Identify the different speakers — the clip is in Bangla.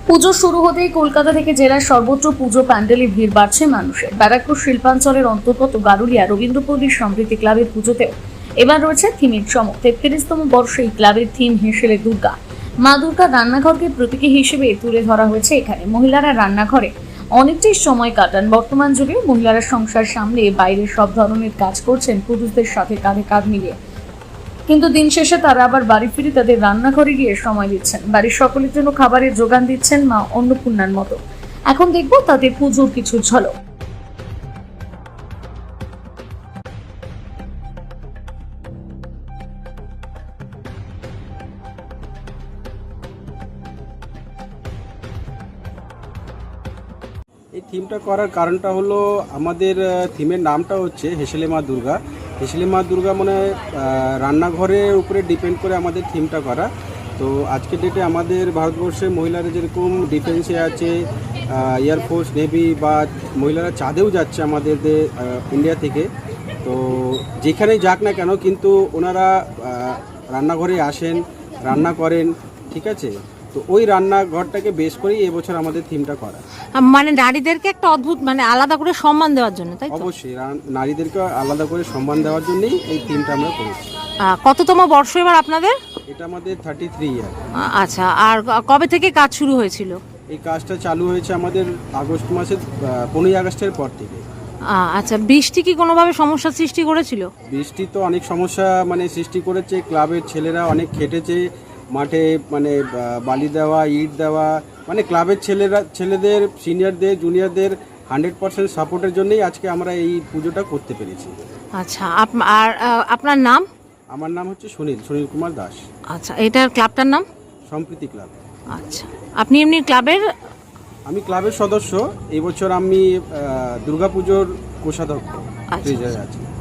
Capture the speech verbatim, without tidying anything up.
Speaker 1: পুজো শুরু হতেই কলকাতা থেকে জেলার সর্বত্র পুজো প্যান্ডেলে ভিড় বাড়ছে মানুষের। ব্যারাকপুর শিল্পাঞ্চলের অন্তর্গত গারুলিয়া রবীন্দ্রপল্লী সমৃদ্ধি ক্লাবের পুজোতেও এবার রয়েছে থিমের চমক। তেত্রিশতম বর্ষে এই ক্লাবের থিম হেসেলে দুর্গা। মা দুর্গা রান্নাঘরকে প্রতীকী হিসেবে তুলে ধরা হয়েছে এখানে। মহিলারা রান্নাঘরে অনেকটাই সময় কাটান। বর্তমান যুগে মহিলারা সংসার সামলে বাইরের সব ধরনের কাজ করছেন পুরুষদের সাথে কাঁধে কাঁধ মিলিয়ে, কিন্তু দিন শেষে তারা আবার বাড়ি ফিরে তাদের রান্নাঘরে গিয়ে সময় দিচ্ছেন। বাড়ির সকলের জন্য খাবারের যোগান দিচ্ছেন মা অন্নপূর্ণার মতো। এখন দেখবো তাদের পুজোর কিছু ঝলক।
Speaker 2: এই থিমটা করার কারণটা হলো আমাদের থিমের নামটা হচ্ছে হেসেলে মা দুর্গা। হেসেলে মা দুর্গা মানে রান্নাঘরের উপরে ডিপেন্ড করে আমাদের থিমটা করা। তো আজকের ডেটে আমাদের ভারতবর্ষের মহিলারা যেরকম ডিফেন্সে আছে, এয়ারফোর্স, নেভি, বা মহিলারা চাঁদেও যাচ্ছে আমাদের ইন্ডিয়া থেকে, তো যেখানেই যাক না কেন কিন্তু ওনারা রান্নাঘরে আসেন, রান্না করেন, ঠিক আছে। তো ওই রান্নাঘরটাকে বেশ করেই এবছর আমাদের থিমটা করা,
Speaker 3: মানে নারীদেরকে একটা অদ্ভুত মানে আলাদা করে সম্মান দেওয়ার জন্য, তাই তো?
Speaker 2: অবশ্যই নারীদেরকে আলাদা করে সম্মান দেওয়ার জন্যই এই থিমটা আমরা করেছি।
Speaker 3: কততম বর্ষ এবার আপনাদের?
Speaker 2: এটা আমাদের থার্টি থ্রি ইয়ার।
Speaker 3: আচ্ছা, আর কবে থেকে কাজ শুরু হয়েছিল?
Speaker 2: এই কাজটা চালু হয়েছে আমাদের আগস্ট মাসের পনেরোই আগস্টের পর থেকে।
Speaker 3: আচ্ছা, বৃষ্টি কি কোনোভাবে সমস্যা সৃষ্টি করেছিল?
Speaker 2: বৃষ্টি তো অনেক সমস্যা মানে সৃষ্টি করেছে। ক্লাবের ছেলেরা অনেক খেটেছে মাঠে, মানে বালি দেওয়া, ইট দেওয়া, মানে ক্লাবের ছেলেরা ছেলেদের সিনিয়রদের জুনিয়রদের হান্ড্রেড পার্সেন্ট সাপোর্টের জন্যই আজকে আমরা এই পুজোটা করতে পেরেছি।
Speaker 3: আচ্ছা, আর আপনার নাম?
Speaker 2: আমার নাম হচ্ছে সুনীল সুনীল কুমার দাস।
Speaker 3: আচ্ছা, এটার ক্লাবটার নাম?
Speaker 2: সম্প্রীতি ক্লাব।
Speaker 3: আচ্ছা, আপনি এমনি ক্লাবের?
Speaker 2: আমি ক্লাবের সদস্য। এই বছর আমি দুর্গাপুজোর কোষাধ্যক্ষ।
Speaker 3: আচ্ছা।
Speaker 2: আছি।